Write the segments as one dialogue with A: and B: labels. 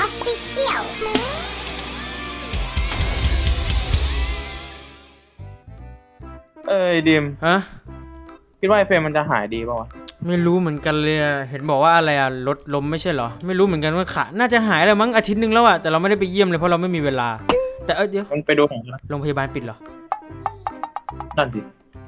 A: Official
B: ดิม
C: ฮะ
B: คิดว่าไอเฟรมมันจะหายดีป่าวะ
C: ไม่รู้เหมือนกันเลยเห็นบอกว่าอะไรรถล้มไม่ใช่เหรอไม่รู้เหมือนกันว่าขาน่าจะหายแล้วมั้งอาทิตย์นึงแล้วแต่เราไม่ได้ไปเยี่ยมเลยเพราะเราไม่มีเวลาแต่เดี๋ยว
B: มันไปดูของ
C: โรงพยาบาลปิดเหรอ
B: นั่นดิ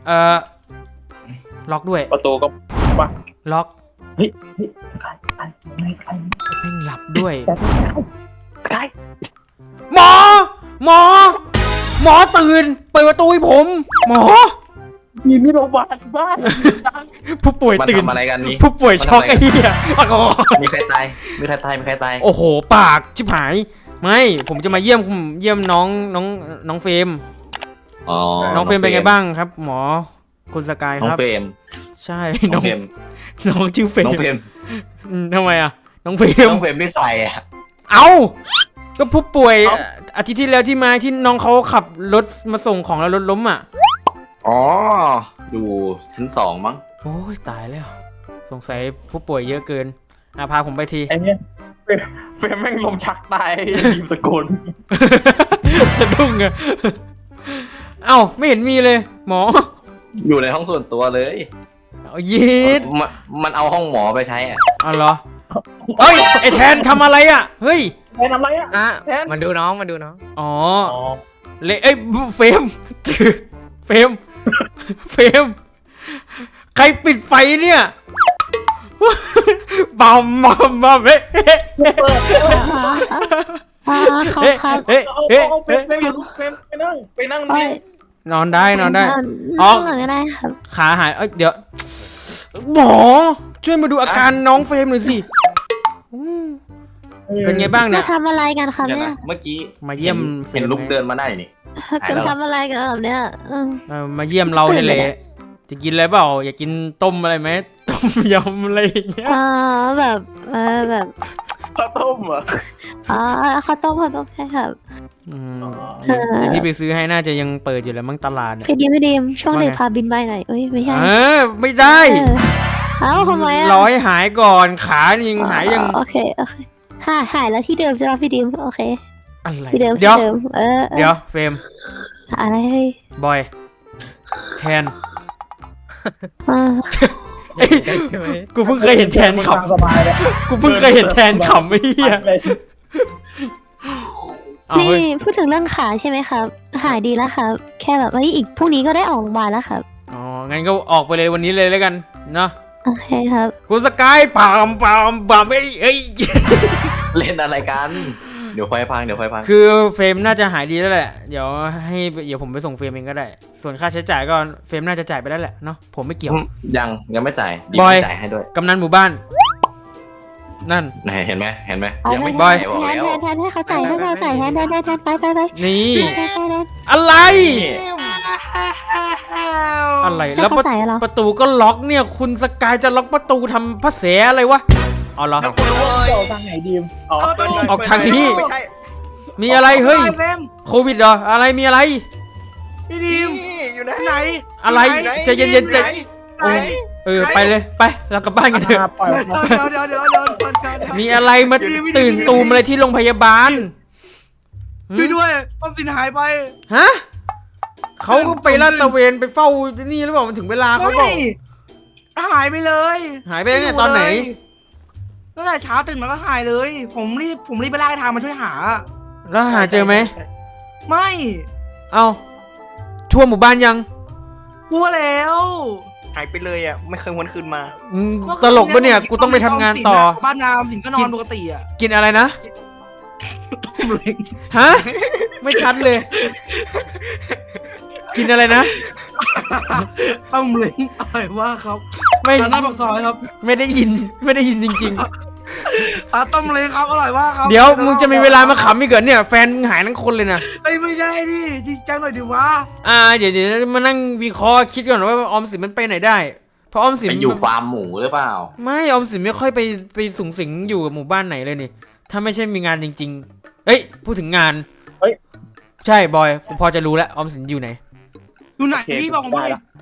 C: ล็อกด้วย
B: ประตูก็ปะ
C: ล็อก
B: เฮ้ยสกาย
C: แม่งหลับด้วย
B: สกาย
C: หมอตื่นเปิดประตูให้ผมหมอ
B: มีโรงพยาบาลบ้าน
C: ผู้ป่วยตื่น
D: อะไรกันนี่
C: ผู้ป่วยช็อกไอ้เหี้ย
D: มีใครตาย
C: โอ้โหปากชิบหายไม่ผมจะมาเยี่ยมน้องเฟรมน้องเฟรมเป็นไงบ้างครับ หมอคุณสกายครับ
D: น้องเฟรม
C: ใช่น้องชื่อเฟรม
D: น้องเฟรม
C: ทำไมน้องเฟรม
D: ไม่ใส่
C: เอาก็ผู้ป่วยอาทิตย์ที่แล้วที่มาที่น้องเขาขับรถมาส่งของแล้วรถล้ม
D: อ๋ออยู่ชั้น2มั้ง
C: โอ้ยตายแล้วสงสัยผู้ป่วยเยอะเกินพาผมไปที
B: ไอ้เนี่ยเฟรมแม่งลมชักตายยิมตะโกน
C: สะดุ้งเอ้าไม่เห็นมีเลยหมอ
D: อยู่ในห้องส่วนตัวเลย
C: ยีด
D: มันเอาห้องหมอไปใช้
C: อ๋อเหรอเฮ้ยไอแทนทำอะไรเฮ้ย
B: แทนทำอะไร
E: แทนมาดูน้อง
C: อ๋อเลยเฟรมใครปิดไฟเนี่ยบอมเฮ้
B: ไปนั่ง
C: นอนได้
A: อ๋อได้ครับ
C: ขาหายเดี๋ยวหมอช่วยมาดูอาการน้องเฟรมหน่อยสิเป็นไงบ้างเนี่ย
A: ทำอะไรกันครับเนี่ย
D: เมื่อกี้
C: มาเยี่ยม
D: เห็นลุกเดินมาได้นี่
A: กันทำอะไรกันแบบเนี้ย
C: มาเยี่ยมเราเนี่ยแหละจะกินอะไรเปล่าอยากกินต้มอะไรไหมต้มยำอะไรอย่างเงี้ย
A: แบบ
B: ข้าวต้ม
A: ข้าวต้มใช่ครับ
C: ที่ไปซื้อให้น่าจะยังเปิดอยู่แล้วมั้งตลาดเนี่ย
A: ไม่ดีช่วงเด็กพาบินไปหน่อยไม่ใช่
C: ไม่ได้
A: ทำไม
C: ร้อยหายก่อนขายังหายยัง
A: โอเคหายแล้วที่เดิมใช่ไหมพี่ดิมโอเค
C: อะไร
A: ที่เดิม
C: เดี๋ยวเฟรม
A: อะไร
C: บอยแทนกูเพิ่งเคยเห็นแทนขำกูเพิ่งเคยเห็นแทนขำไอ้เหี้ย
A: นี่พูดถึงเรื่องขาใช่ไหมครับหายดีแล้วครับแค่แบบอีกพรุ่งนี้ก็ได้ออกโรงพยาบาลแล้วครับ
C: อ๋องั้นก็ออกไปเลยวันนี้เลยแล้วกันเนาะ
A: โอเคครับ
C: คุณสกายปามเอ้ย
D: เล่นอะไรกันเดี๋ยวไฟพัง
C: คือเฟรมน่าจะหายดีแล้วแหละเดี๋ยวผมไปส่งเฟรมเองก็ได้ส่วนค่าใช้จ่ายก็เฟรมน่าจะจ่ายไปได้แหละเนาะผมไม่เกี่ยว
D: ยังไม่จ่าย
C: บอย
D: จ่ายให้ด้วย
C: กำนันหมู่บ้านนั่น
D: เห็นไหม
A: ยังไม่บอยแทนให้เขาจ่ายให้เราจ่ายแทนไป
C: นี่อะไรแล้วประตูก็ล็อกเนี่ยคุณสกายจะล็อกประตูทำภาษาอะไรวะอ๋อเหรอ
B: ออกทางไหนดีม
C: ออกทางนี้มีอะไรเฮ้ยโควิดเหรออะไรมีอะไร
E: พี่ดิมอยู่ไหน
C: อะไรใจเย็นๆใจไปเลยไปเรากลับบ้านกันเถอะ
E: เดี๋ยว
C: มีอะไรมาตื่นตูมอะไรที่โรงพยาบาล
E: ช่วยด้วยออมสินหายไป
C: ฮะเขาก็ไปลาดตระเวนไปเฝ้านี่หรือเปล่ามันถึงเวลาเขาบอก
E: หายไปเลย
C: หายไปเนี่ยตอนไหน
E: ตั้งแต่เช้าตื่นมาก็หายเลยผมรีบไปลากทางมาช่วยหา
C: แล้วหาเจอไหม
E: ไม่
C: เอาทั่วหมู่บ้านยัง
E: ทั่วแล้ว
D: หายไปเลยไม่เคยวนคืนมา
C: ตลกปะเนี่ยกูต้องไปทำงานต่อ
E: บ้านนามสิงก็นอนปกติ
C: กินอะไรนะฮะไม่ชัดเลยกินอะไรนะ
E: ต้มเล้งอร่อยมากครับ
C: ไม่
E: หน้าปากซอยครับ
C: ไม่ได้ยินจริง
E: ๆต้มเล้งครับอร่อยมากครับ
C: เดี๋ยวมึงจะมีเวลามาขำอีกเหรอเนี่ยแฟนหายทั้งคนเลยนะ
E: ไม่ใช่ดิจริงจังหน่อยดิวะ
C: เดี๋ยวมานั่งวิเคราะห์คิดก่อนว่าออมสินมันไปไหนได้เพราะออมสิน
D: อยู่ฟาร์มหมูหรือเปล่า
C: ไม่ออมสินไม่ค่อยไปสุงสิงอยู่กับหมู่บ้านไหนเลยนี่ถ้าไม่ใช่มีงานจริงๆเฮ้ยพูดถึงงานใช่บอยกูพอจะรู้แล้วออมสินอยู่ไหน
E: พี่บอกผมเลย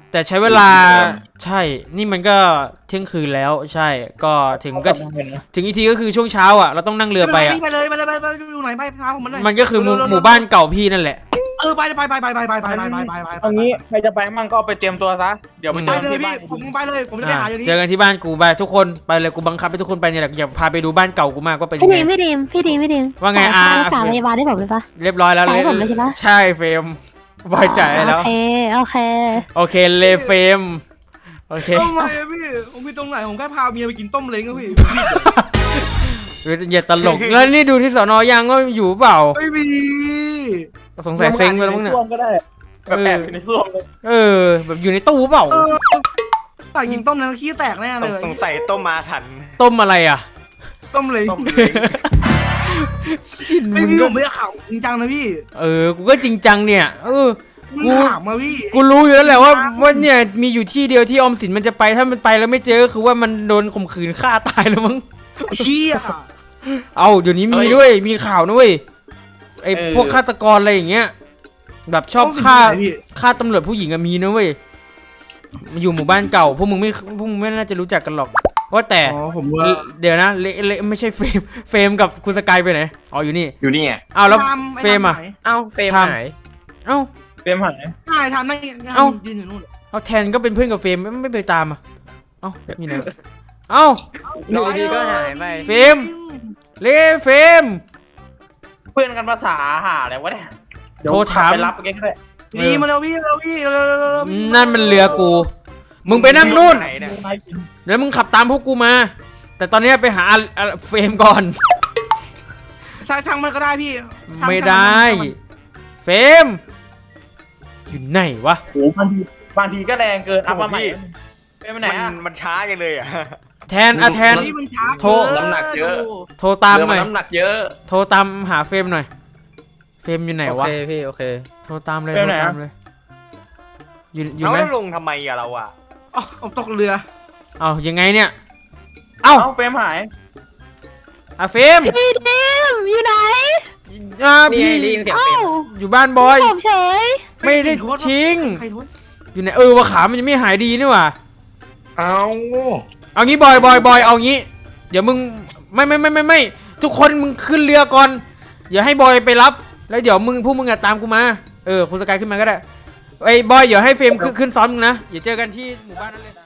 C: แต่ใช้เวลาใช่ นี่มันก็เที่ยงคืนแล้วใช่ ก็ถึงอีกทีก็คือช่วงเช้าอ่ะเราต้องนั่งเรือไปอ่ะ
E: ไปเลยอยู่ไหนไปพาผมมันเลย
C: มันก็คือหมู่บ้านเก่าพี่นั่นแหละ
E: ไป
B: เอางี้ใครจะไปมั่งก็เอาไปเตรียมตัวซะเดี๋ยวไป
E: ไป
B: เจอ
E: เลย
B: ที่
E: พี่
B: บ้าน
E: ผมไปเลยผมจะไปหาอย่างนี้
C: เจอกันที่บ้านกูไปทุกคนไปเลยกูบังคับให้ทุกคนไปเนี่ยแหละอย่าพาไปดูบ้านเก่ากูมากว่าเป็นยั
A: พี่
C: ง
A: ดี
C: ไง
A: มพี่ดีม
C: ว่าไง
A: จ่ยค่รักษาพยาบาลได้ผมเลยปะ
C: เรียบร้อยแล้ว
A: จ่ายผมเลยใช่ปะ
C: ใช่เฟรมบอยจ่ายให้แล้ว
A: โอเค
C: โอเคเลเฟรมโอเค
E: ทำไมพี่ผมมีตรงไหนผมแค่พาเมียไปกินต้มเล้งอะพี่
C: อย่าตลกแล้วนี่ดูที่สอนยังว่าอยู่เปล่า
E: ไม่มี
C: สงสัยเซ็งไปแล้วมั้งเนี่ย
B: ส้วมก็ได้แบบแอบอยู่ในส้วมเลย
C: แบบอยู่ในตู้เปล่า
E: ใส่กินต้มนั้นขี้แตกแน่เลย
F: สงสัยต้มมาทัน
C: ต้มอะไรอ่ะ
E: ต้มเล้ง
F: ต้มเล้ง
C: ชิน
E: ไม่
C: มึง
E: พี่
C: ก็
E: ผมไม่ได้ข่าวจริงจังนะพี่
C: กูก็จริงจังเนี่ย
E: มึงถามมาพี่
C: กูรู้อยู่แล้วแหละว่าเนี่ยมีอยู่ที่เดียวที่ออมสินมันจะไปถ้ามันไปแล้วไม่เจอก็คือว่ามันโดนข่มขืนฆ่าตายแล้วมั้ง
E: เชี่ย
C: เอาเดี๋ยวนี้มีด้วยมีข่าวนะเว้ยไอ้พวกฆาตกรอะไรอย่างเงี้ยแบบชอบฆ่าตำรวจผู้หญิงอะมีนะเว้ยมาอยู่หมู่บ้านเก่าพวกมึงไม่น่าจะรู้จักกันหรอกว่าแต่
E: อ๋อผมว่า
C: เดี๋ยวนะเละไม่ใช่เฟรมกับคุณสกายไปไหนอ๋ออยู่นี่
D: อยู่นี่ไง
C: อ้าวแล้วเฟรมอ่ะ
F: เอ้าเฟรมหาย
C: เอ้า
B: เตรียมหาย
E: ใช่ทำได้
C: เอ้า
E: ยืนอยู่นู่น
C: เอาแทนก็เป็นเพื่อนกับเฟรมไม่ไปตามอ่ะเอ้ามีไหนเอ้า
F: อยู่ดีๆก็หายไป
C: เฟรมเฟรม
B: เพื่อนกันภาษาหาอะไรวะเนี่ย
C: โทรถาม
B: ไปรับแกก็ได้
E: ดีมาแล้วพี่เร็ว
C: นั่นมันเรือกูมึงไปนั่งนู่น
F: ไหนเนี่ย
C: แล้วมึงขับตามพวกกูมา แต่ตอนนี้ไปหาเฟรมก่อน
E: ทางมันก็ได้พี่
C: ไม่ได้ เฟรมอยู่ไหนวะ
B: โอ้บางทีก็แรงเกินอัพมาใหม่ไปไหน
F: มัน
B: อ่ะ
F: มันช้าจังเลยอ่ะ
C: แทนแทน
E: นี่มันช้า
C: โทร
D: น้ำหนักเยอะ
C: โทรตาม
D: เรือ
C: ห
D: มั
C: น่
D: น
C: อย
D: น้ำหนักเยอะ
C: โทรตามหาเฟรมหน่อยเฟรมอยู่ไหน
F: โอ
C: วะ
F: เคพี่โอเค
C: โทรตามเลย
B: เฟร
C: โท
B: ม
C: ร
B: ไหนอะ
C: ตามเลยอยู่
F: เรา
C: ไหม
F: แล้วลงทำไมอะเราอะ
E: อ๋อผมตกเรือ
C: เอายังไงเนี่ยเอ้า
B: เอ้าเฟรมหาย
C: เฟรม
A: พี่ดีมอยู่ไหน
F: นี่
C: พี่
F: ได้ยินเสียง
A: เอ้า
F: เฟรม
C: อยู่บ้านบอย
A: ผมเฉย
C: ไม่ได้ทิ้ง
E: ใครโทษ
C: อยู่ไหนว่าขามันยังไม่หายดีนี่หว่า
D: เอา
C: เอางี้บอยเอางี้ เดี๋ยวมึงไม่ทุกคนมึงขึ้นเรือก่อนอย่าให้บอยไปรับแล้วเดี๋ยวพวกมึงอะตามกูมาคุณสกายขึ้นมาก็ได้ไอ้บอยเดี๋ยวให้เฟรมขึ้นซ้อนมึงนะอย่าเจอกันที่หมู่บ้านนั้นเลย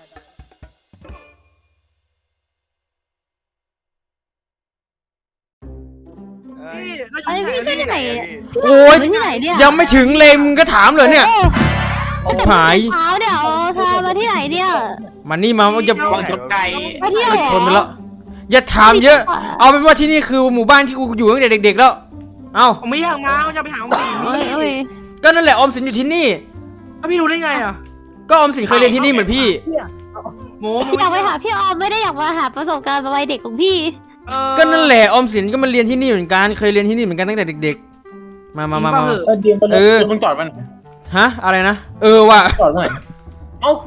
E: พี่
A: เอ้ยพี่ไปไหนเนี่ย
C: โอ้ย
A: ไปที่ไหนเนี่ย
C: ยังไม่ถึงเลยมึงก็ถามเลยเนี่ย
A: โอ้
C: ชิบหาย
A: เช้าเนี่ยพามาที่ไหนเนี่ย
C: มานี่มาจะ
D: วางชนไก่
A: มาเที่ยวเหรอ
C: ชนไปแล้วอย่าถามเยอะ เอาเป็นว่าที่นี่คือหมู่บ้านที่กูอยู่ตั้งแต่เด็กๆแล้ว เอ้า
E: ผมไม่อยากมาผมจะไปหาผมสิ
A: เอ้ย
C: ก็นั่นแหละออมสินอยู่ที่นี่
E: แล้วพี่รู้ได้ไงอ่ะ
C: ก็ออมสินเคยเรียนที่นี่เหมือนพี่
E: โม
A: อยากไปหาพี่ออมไม่ได้อยากมาหาประสบการณ์วัยเด็กของพี่
C: ก็นั่นแหละออมสินก็มาเรียนที่นี่เหมือนกันเคยเรียนที่นี่เหมือนกันตั้งแต่เด็กๆ มา
B: เดียมไปเลยมึงจอดมัน
C: ฮะอะไรนะว่ะ
B: จอดมันไหนเอ้าร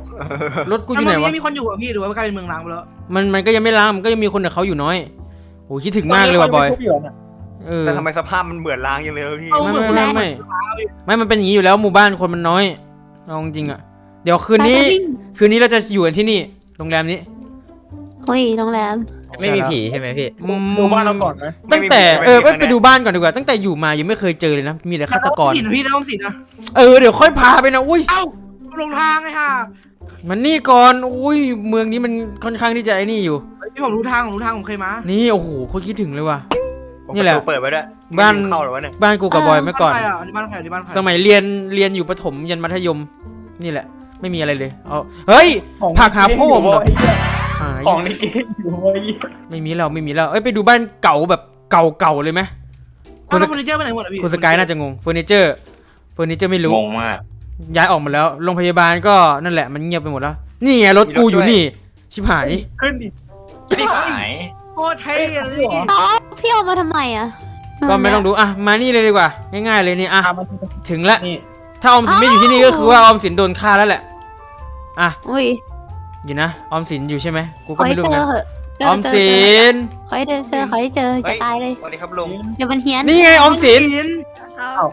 C: ถกูอยู่ไหนวะ
E: มีคนอยู่อ่ะพี่หรือว่ากลายเป็นเมืองร้างไปแล้ว
C: มันก็ยังไม่ล้างมันก็ยังมีคนกับเขาอยู่น้อยโอ้คิดถึงมากเลยว่ะบอยเออ
F: แต่ทำไมสภาพมันเหมือนล้างยังเลยพี่
C: ไม่มันเป็นอย่างนี้อยู่แล้วหมู่บ้านคนมันน้อยเอาจริงๆอ่ะเดี๋ยวคืนนี้เราจะอยู่กันที่นี่โรงแรมนี้
A: เฮ้ยโรงแรม
F: ไม่มีผีใช่ไหมพี่
B: ดูบ้านเราก่อนไหม
C: ตั้งแต่ไปดูบ้านก่อนดีกว่าตั้งแต่อยู่มายังไม่เคยเจอเลยนะมีแต่ฆาตกร
E: สินพี่น้องสินนะ
C: เดี๋ยวค่อยพาไปนะอุ้ย
E: เอ้าลงทางไงค่ะ
C: มันนี่ก่อนอุ้ยเมืองนี้มันค่อนข้างที่จะไอ้นี่อยู่
E: พี่ผมรู้ทางผมเคยมา
C: นี่โอ้โหโคตรคิดถึงเลยว่ะ
F: ผม
C: นี่แหละ
F: ประตูเปิดไว้ด้วย
C: บ้าน
F: ไม่มีเข้าหรอวะเนี่ย
C: บ้านกูกับบอยเมื่อก่อน
E: บ้านใครบ้านใคร
C: สมัยเรียนอยู่ประถมยันมัธยมนี่แหละ ไม่มีอะไรเลยเอาเฮ้ยผักหาพ่อผมเหรอหาย
B: ของในเกมอยู่เว้ย
C: ไม่มีแล้วไปดูบ้านเก่าแบบเก่าเลยไหม
E: คุณเฟอร์นิเจอร์ไปไหนหมดอ่ะพี่
C: คุณสกายน่าจะงงเฟอร์นิเจอร์ไม่รู้
D: งงมาก
C: ย้ายออกหมดแล้วโรงพยาบาลก็นั่นแหละมันเงียบไปหมดแล้วนี่ไงรถกูอยู่นี่ชิบหาย
B: ขึ้นดิ
D: ที่หาย
E: โคตรเท่เลย
A: อ๋อพี่ออมมาทำไมอ่ะ
C: ก็ไม่ต้องดูอ่ะมานี่เลยดีกว่าง่ายๆเลยนี่อ่ะ
B: ตามมา
C: ถึงแล้ว
B: นี่
C: ถ้าออมสินไม่อยู่ที่นี่ก็คือว่าออมสินโดนฆ่าแล้วแหละอ่ะ
A: อุ้ย
C: อยู่นะออมสินอยู่ใช่ไหมกู
A: ข
C: ก็
A: อให้
C: ไม่รู้
A: เจ
C: ไง
A: อเหอะ
C: ออมสิน
A: ขอให้เจอจะตายเลย
F: สวัสดีครับลุง
A: เดี๋ยวมันเฮี้ยน
C: นี่ไงออมสิน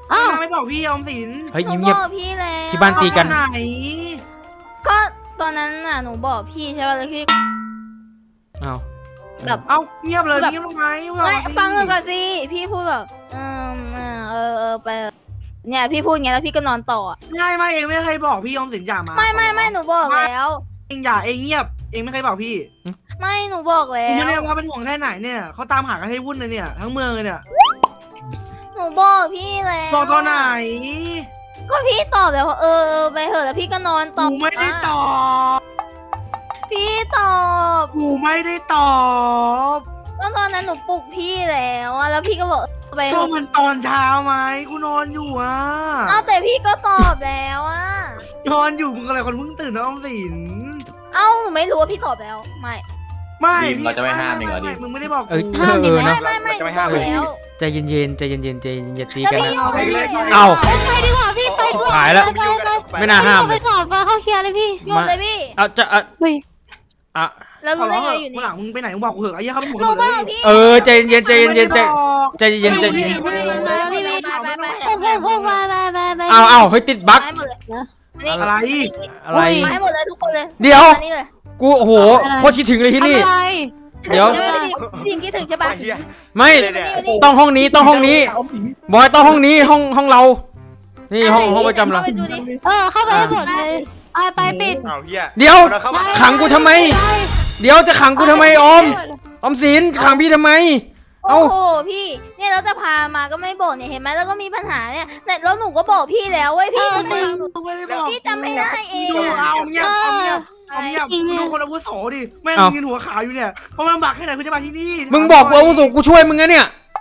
A: อ้าว
E: นางไม่บอกพี่ออมสิน
C: เฮ้ย
G: หนู
C: เงียบบ
G: อกพี่แล้ว
C: ที่บ้านตีกัน
E: เอาไหน
G: ก็ตอนนั้นน่ะหนูบอกพี่ใช่ป่ะแล้วพี่
C: อ้าว
G: แบบ
E: เอ้าเงียบเลย
G: แบบ
E: เงียบทำไม
G: ไม่ฟังหนูก่อนสิพี่พูดแบบไปเนี่ยพี่พูดอย่างเงี้ยแล้วพี่ก็นอนต่ออะ
E: ไม่เองไม่เคยบอกพี่ออมสินอย่ามา
G: ไม่หนูบอกแล้ว
E: เองอย่าเองเงียบเองไม่เคยบอกพี่
G: ไม่หนูบอกแล้
E: ผมไม่ได้
G: ว
E: ว่าเป็นห่วงแค่ไหนเนี่ยเขาตามหากันให้วุ่นเลยเนี่ยทั้งเมืองเลยเนี่ย
G: หนูบอกพี่แล้ว
E: บอกตอนไหน
G: ก็พี่ตอบแล้วว่าไปเถอะแล้วพี่ก็นอนต่อ
E: กูไม่ได้ตอบ
G: พี่ตอบ
E: กูไม่ได้ตอบ
G: ก็ตอนนั้นหนูปลุกพี่แล้วอะแล้วพี่ก็บอกไปเถ
E: ก็
G: อะ
E: มันตอนเช้าไหมกูนอนอยู่อ่ะ
G: เอาแต่พี่ก็ตอบแล้วอะ
E: นอนอยู่มึงอะไรคนเพิ่งตื่นนะออมสิน
G: เอ้าหนูไม่รู้ว่าพี่ตอบแล้วไม่
E: ไม่
D: เราจะไม่ห้ามเองเหรอดิ
E: มึงไม่ได้บอก
C: เอ้ย
E: กู
C: เออ
G: ไม่
C: นะ
G: ไม่หนูบอกแล้ว
C: ใจเย็นๆใจเย็นๆใจเย็นๆอย่าตี
G: แล้ว
C: กัน
G: พี่
C: นะ
G: เอาไปเลย
C: เอ้า
A: ไปดีกว่าพี่ไป
C: ชิบหายแล้ว ไม่น่าห้าม
A: ไป
C: เลย
A: ก่อนไปเข้าเคลียร์เลยพี่
G: หยุดเลยพี่
C: เอาจะ
A: เฮ้ย
C: อ่ะ
G: แล้ว
E: ขอ
G: รู้
E: ร้
G: ได้
E: อง
G: ไงอยู่
E: เมื่
G: นี่
E: อหลังมึงไปไหนมึงบอกกูเถอะไอ้เหี้ยเขาเป็นหมด
G: หนู
E: เล
G: บอก
E: ย
G: พี่
C: เออใจเย็นใจเย็นใจเย็นใจ ใจเย็นใจ
G: ไม่
C: เย็น
G: ไม่ไม่ไม่ไม่ไม่ไม่
A: พวกมาไป
C: เอาเฮ้ยติดบั๊ก
G: ให้หมดเลย
E: อะไร
C: อะไร
G: มาให้หมดเลยทุกคนเลย
C: เดี๋ยว
G: มานี่เลย
C: กูโอ้โหโคตรคิดถึงเลยที่นี่
A: อะไร
C: เดี๋ยว
G: พี่ดิมคิดถึงใช่ปะ
F: ไอ้เหี้ย
C: ไม่
F: เนี่ย
C: ต้องห้องนี้ต้องห้องนี้
B: เอาสิ
C: บอยต้องห้องนี้ห้องเรา นี่ห้องประจำเรา
G: ไปดูดิ
A: เข้าไปหมดเลยไปปิด
F: เอาเหี้ย
C: เดี๋ยว
F: เราเข้ามา
C: ขังกูทำไม เดี๋ยวจะขังกูทำไมออมสินขังพี่ทำไม
G: โอ้โหพี่เนี่ยเราจะพามาก็ไม่บอกเนี่ยเห็นไหมแล้วก็มีปัญหาเนี่ยแล้วหนูก็บอกพี่แล้วเว้ยพี่ทำไมหนู
E: กูไม่ได้บอก
G: พี่จำไม่ได้เอง
E: เอา
G: อะ
E: เงียบเอาเงียบเอาเงียบดูคนอาวุโสดิแม่งยืนหัวขาวอยู่เนี่ยเพราะมันลำบากแค่ไหนคุณจะมาที่นี่
C: มึงบอกกูอาวุโสกูช่วยมึงนะเนี่ย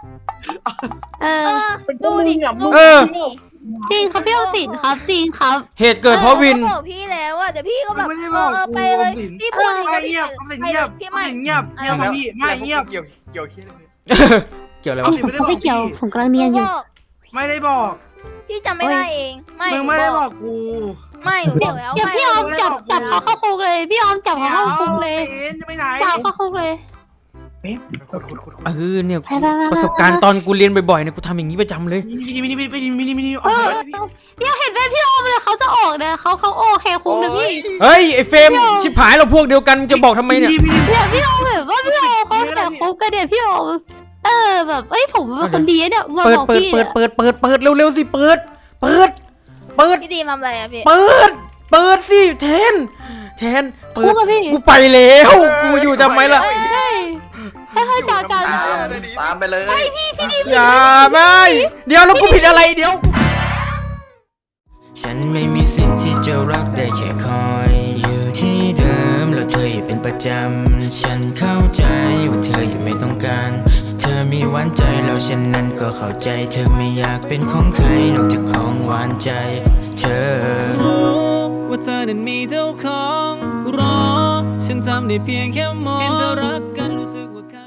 G: ดูดิ
C: เออ
G: นี่
A: จริงครับพี่ออมสินครับจริงครับ
C: เหตุเกิดเพราะวิน
G: ก็บอกพี่แล้วอะแต่พี่ก็แบบ
E: ไม่ได้บอก
G: ไปเลยพี่พูด
E: เงียบเงียบ
G: พี่
E: ไม่
G: ไม่
E: เงียบเงียบพี่ไม่เงียบ
F: เกี่ยวเหี้ยอะไรเนี่ย
C: เกี่ยวอะไร
E: เอา
C: วะ
E: สิไม่ได้บอ
A: ไม่
E: ก
A: เกี่ยวผมกำลังเนียนอยู่
E: ไม่ได้บอก
G: พี่จำไม่ได้เองไม่
E: มึงไม่ได้บอกกู
G: ไม่หนูบอกแล้ว
A: เดี๋ยวพี่ออมจับเขาเข้าคุกเลย พี่ออมจับเขาเข้าคุกเลย
E: จะไปไหน
A: จับเข้าคุกเลย
F: ขุด
C: เนี่ย
A: ไป
C: ประสบการณ์ตอนกูเรียนบ่อยๆเนี่ยกูทำอย่างนี้ประจำเลย
E: มินิออก
A: พี่เห็นไหมพี่ออมเลยเขาจะออกเนี่ยเขาโอเคคุกเลยพี่
C: เฮ้ยไอ้เฟรมชิบหายเราพวกเดียวกันมึงจะบอกทำไมเนี่ย
A: เดี๋ยวพี่ออมแบบว่าพี่ออมเขาแต่คุกกันเดี๋ยวพี่ออมแบบผมเป็นคนดีเนี่ยมา
C: เปิด
A: บอก
C: เปิด
A: พี่
C: เปิดเปิดเปิดเปิดเร็วๆสิเปิด
G: พี่ดีทำอะไรอะพี่
C: เปิดสิแทนเปิ
A: คุ
C: ด
A: กอะพี่
C: กูไปแล้วกูอยู่ทำไมล่ะ
A: ให้จ่า
D: ตามไปเลย
C: อย่าไม่เดี๋ยวแล้วกูผิดอะไรเดี๋ยว
H: ฉันไม่มีสิทธิ์ที่จะรักได้แค่คอยอยู่ที่เดิมแล้วเธออย่าเป็นประจำฉันเข้าใจว่าเธอยังไม่ต้องการ เธอมีหวานใจแล้วฉันนั้นก็เข้าใจ เธอไม่อยากเป็นของใครนอกจากของหวานใจ เธอรู้ว่าเธอนั้นมีเจ้าของรอฉันทำได้เพียงแค่มองเห็นเธอรักกันรู้สึกว่า